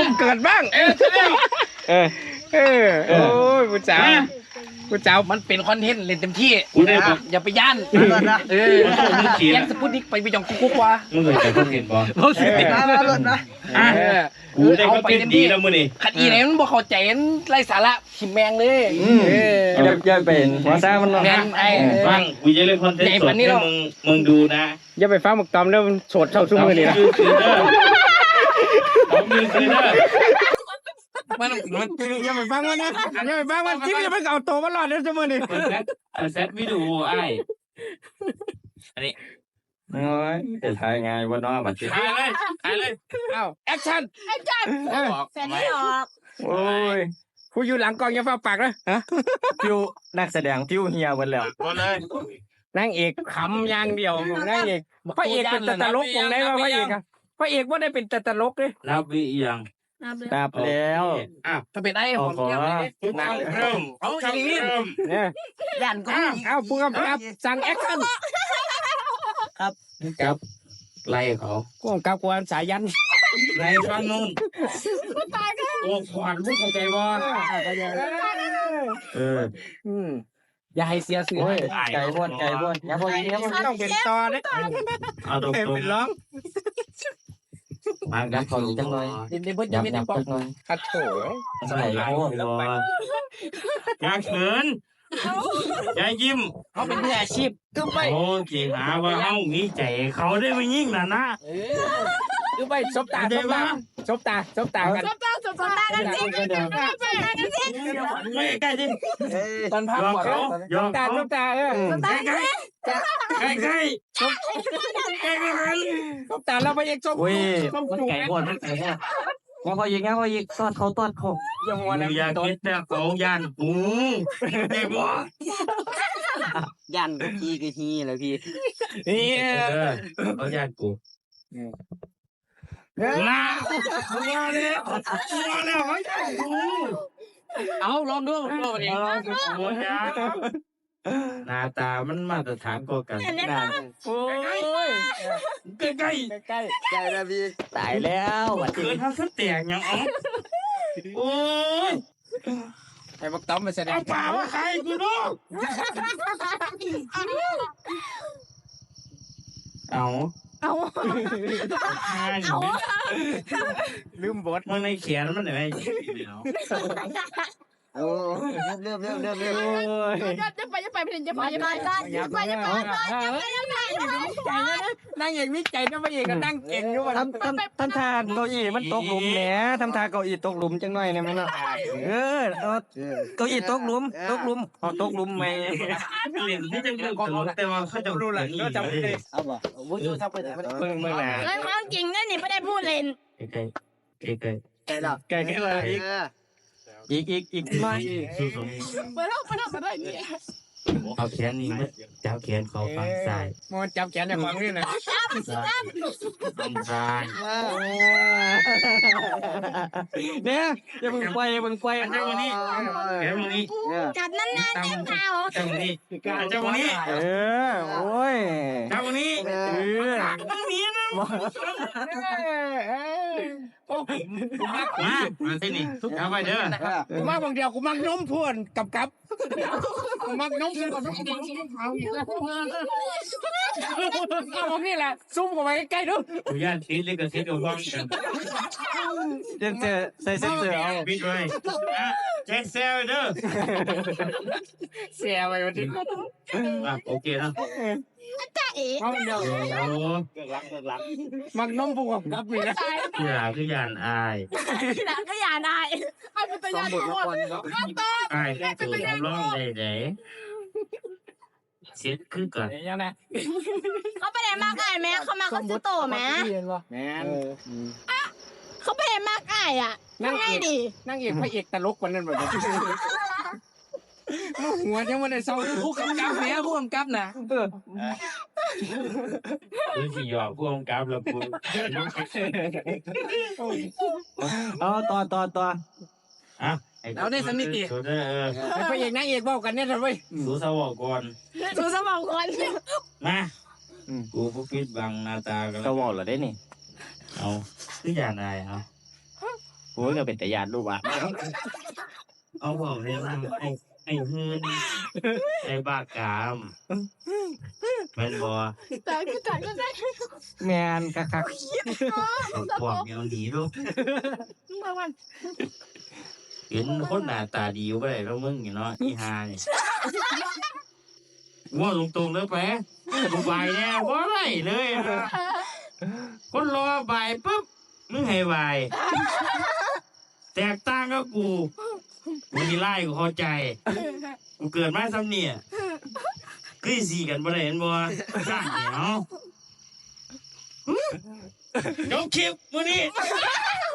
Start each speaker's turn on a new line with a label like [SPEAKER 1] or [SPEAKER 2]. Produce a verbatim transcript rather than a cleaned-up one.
[SPEAKER 1] เกิดบ้างเออเออเออโอ้ยผู้สาวผู้สาวมันเป็นคอนเทนต์เล่นเต็มที่อย่าไปย่านเออแย่งสปุตนิกไปไปยองกุ๊กว่า
[SPEAKER 2] มึงเคยแต่คอนเทนต์บ่
[SPEAKER 1] เขาสิ
[SPEAKER 3] มาแล้วรถนะ
[SPEAKER 2] กูได้คอนเทนต์ดีแล้วมื้อนี้
[SPEAKER 1] ขัดอีไหนมันบ่เข้าใจไร้สาระขิมแมงเลย
[SPEAKER 3] เอออย่าเป็นหัวซ่ามัน
[SPEAKER 1] แมงไอ้
[SPEAKER 2] ฟังกูจะเล่นคอนเทนต์สดให้มึงมึงดูนะ
[SPEAKER 1] อย่าไปฟังหมกตอมแล้วมันโสดเท่าซุมื้อนี้นะ
[SPEAKER 2] ผมมือซื้อเด้อ
[SPEAKER 1] มันมันอย่าไปฟังมันนะอย่าไปฟังมันที่จะไปเอาตัวมันรอดได้ซุมื้อนี้
[SPEAKER 2] เซตวิดีโอไอ้อันนี้
[SPEAKER 3] โอ้ยจะถ่ายไงวะเนาะบัดนี้
[SPEAKER 2] ถ่ายเลยถ่ายเลย
[SPEAKER 1] เอ้าแอคชั่น
[SPEAKER 4] แอคชั่นแฟนไม่ออก
[SPEAKER 3] โอ้ย
[SPEAKER 1] ผู้อยู่หลังกองอย่าฟ้าปากนะฮะ
[SPEAKER 3] ฟิวนักแสดงฟิวเฮียหมดแล้ว
[SPEAKER 2] หมดเลย
[SPEAKER 1] นางเอกขำอย่างเดียวนางเอกพระเอกเป็นตลกวงไหนวะพระเอกอะพระเอกว่าได้เป็นตลกเลย
[SPEAKER 2] รับวิยัง
[SPEAKER 3] ตับแล้ว
[SPEAKER 1] อ่ะถ้าเป็นไอ้ผมเกี่ยวเลย
[SPEAKER 2] นางเริ่ม
[SPEAKER 1] เอาอย่างนี้เนี่ย
[SPEAKER 4] ยันก็
[SPEAKER 1] เอาพูดกับสั่งแอคชั่น
[SPEAKER 2] ครับครับไล่เขา
[SPEAKER 1] กูกับกวนสายยัน
[SPEAKER 2] ไล่ฟังนู่นโอ้ขวัญมึงเข้าใจบ่
[SPEAKER 1] เอออืมอย่าให้เสียสื่อ
[SPEAKER 3] ไก่บ้วนไก่บ้วนอย่าบ้วนอย่าบ้วน
[SPEAKER 1] ต้องเป็นตอเลย
[SPEAKER 2] เอาตรงๆ
[SPEAKER 1] เป็นร้อง
[SPEAKER 2] มาดับเขาจังเลย
[SPEAKER 1] เดี๋ยวเบิ้ลจะไม่ได้บอกขัดโถ
[SPEAKER 3] ใส่โอ้
[SPEAKER 2] โหอย่าเขินอย่ายิ้ม
[SPEAKER 1] เขาเป็นมืออาชีพก็ไป
[SPEAKER 2] โอ้จีหาว่าเขามีใจเขาได้ไม่ยิ่งนะนะ
[SPEAKER 1] ก็ไปซบตาซบตาซบตาซบตากัน
[SPEAKER 4] ซบตาซบตากันสิซบตากันสิ
[SPEAKER 2] ไม่ใกล้ดิ
[SPEAKER 1] ตอนพักก่อนซบตาซบตาเออ
[SPEAKER 4] ซบตาใกล้
[SPEAKER 2] ใกล้ใกล้
[SPEAKER 1] ซบซบตาเราไปเอกซบ
[SPEAKER 3] มันไก่บ้วนมันไก่เนี่ยงั้นพอยิงงั้นพอยิงตอดเขาตอดเขา
[SPEAKER 2] ยังวันอยากคิดแต่เขายันกูเด็กวะ
[SPEAKER 3] ยันพี่กี่ทีเลยพี่
[SPEAKER 1] นี่
[SPEAKER 2] เขายันกูมามาแล้วมาแล้ว
[SPEAKER 1] เอาลองดูลองดิ
[SPEAKER 2] หน้าตามันมาตรฐานกว่ากัน
[SPEAKER 1] โอ้ย
[SPEAKER 2] ใกล้ใกล้
[SPEAKER 1] ใกล้
[SPEAKER 3] ใกล้แล้วพี่ตายแล้ว
[SPEAKER 2] วันเกิดทำสักแตกยังอ๋อโอ้ย
[SPEAKER 1] ไอ้บักต้อมมาแสดง
[SPEAKER 2] ป่าว่าใครกูดูเอา
[SPEAKER 4] เอาเอา
[SPEAKER 1] ลืมบท
[SPEAKER 2] มันในเขียนมันไหน
[SPEAKER 3] โอ้เริ่มเริ่มเริ่มเริ่ม
[SPEAKER 4] จะจะไปจะไปจะไปจะไปจะไปจะไป
[SPEAKER 1] นั่งเอกวิจัยนะพระเอกก็นั่งเก่งอยู่ว่า
[SPEAKER 3] ทำทำทำทางเก้าอี้มันตกหลุมแหนทำทางเก้าอี้ตกหลุมจังหน่อยเนี่ยมันเออเก้าอี้ตกหลุมตกหลุมเอาตกหลุมไหม
[SPEAKER 2] เรียนที่จะเรื่องตลกแต่ว่าเขาจะรู้หลังก็จำไม่ได้
[SPEAKER 3] เอาบ่วุ้ยทำไปไหน
[SPEAKER 1] เมื่อเมื่อไหร่
[SPEAKER 4] เรื่องความจริงนั่นนี่ไม่ได้พูดเล่น
[SPEAKER 2] ไก่ไก่ไก่
[SPEAKER 3] ไก่หรอ
[SPEAKER 1] ไก่แค่อะไร
[SPEAKER 3] อีกอีกอีกอีกไม่
[SPEAKER 4] ไปแล้วไปแล้วไปได้เนี่ย
[SPEAKER 2] เอาแขนนี่จับแขนเขาฝั่งซ้าย
[SPEAKER 1] มันจับแขนในฝั่งนี้นะ
[SPEAKER 4] จับจับ
[SPEAKER 2] ฝั่งซ้าย
[SPEAKER 3] เนี่ยอย่ามึงไปอย่ามึงไป
[SPEAKER 2] เจ้าวันนี้แขนวันนี้
[SPEAKER 4] จับนั่นนั่นจับเท้า
[SPEAKER 2] เจ้าวันนี้เจ้าวันนี้
[SPEAKER 3] เออโอ้ย
[SPEAKER 2] เจ้าวันนี้
[SPEAKER 3] เออ
[SPEAKER 2] วันนี้นะมามาที่นี่ทุกเอาไปเด้อ
[SPEAKER 1] กูมักบางเดียวกูมักน้มพวนกับกับกูมักน้มพวนกับเอาเอานี่แหละซุ่มเข้าไปใกล้ๆดู
[SPEAKER 2] กูย่านทิ้งเล็กกับทิ้งกับว่างกัน
[SPEAKER 3] เซ็นเซอร์ใส่เซ็นเซอร์เอา
[SPEAKER 2] ปิดไว้แจ็คเซลเด้อ
[SPEAKER 1] เสียไปวันที่
[SPEAKER 2] โอเคนะ
[SPEAKER 4] จ้าเอ๋
[SPEAKER 1] มักเดียว
[SPEAKER 3] เกิดรักเกิดรัก
[SPEAKER 1] มักน้มพวนกับนี่นะ
[SPEAKER 2] ที่หลังคือยานอาย
[SPEAKER 4] ที่หลังก็ยานอายไอ้เป็นตัวยานทุกคนก็ต้
[SPEAKER 2] องอายเป็นตัวร้องได้ไหนเสียขึ้นก่อน
[SPEAKER 1] ยังไง
[SPEAKER 4] เขาไปไหนมากไอ้แม่เขามาเขาซื้อโตแม่
[SPEAKER 1] แม่
[SPEAKER 4] เขาไปไหนมากไอ้อ่ะนั่งไงดิ
[SPEAKER 1] นั่งเอกพระเอกตลกคนนั้นแบบหัวยังไม่ได้เศร้าผู้กำกับแม่ผู้กำกับนะเออ
[SPEAKER 2] คือที่หยอกผู้กำกับแล้วกู
[SPEAKER 3] เอาต่อต่อต่อ
[SPEAKER 2] อ่ะ
[SPEAKER 1] เราได้สนิทดิพระเอกนางเอกบอกกันเนี่ยทำไม
[SPEAKER 2] สู้สวอก่อน
[SPEAKER 4] สู้สวอก่อน
[SPEAKER 2] มากูพวกปิดบังหน้าตากัน
[SPEAKER 3] สวอเหรอได้นี่
[SPEAKER 2] เอาที่อย่างไรเอา
[SPEAKER 3] โอ้ยก็เป็นแต่ญาติลูกอ่ะ
[SPEAKER 2] เอาบอกเลยว่าไอ้ไอ้หืนไอ้บ้ากามแม่นบ่
[SPEAKER 4] แต่คือแต่ก็ได้
[SPEAKER 3] แมนคัก
[SPEAKER 2] เอาพวกเมียวหนีลูก
[SPEAKER 4] บางวัน
[SPEAKER 2] เห็นคนหน้าตาดีอยู่บ่ได้แล้วมึงนี่เนาะอีหานี่ว่าตรงๆเลยแปะกูบายแน่บ่ได้เลยอะคนรอบายปุ๊บมึงให้บายแตกต่างกับกูมึงนี่ไล่กูเข้าใจกูเกิดมาซ้ำเนี่ยคือสีกันบ่ได้เห็นบ่สร้างเหนียวจบคลิปมื้อนี้
[SPEAKER 3] ๆ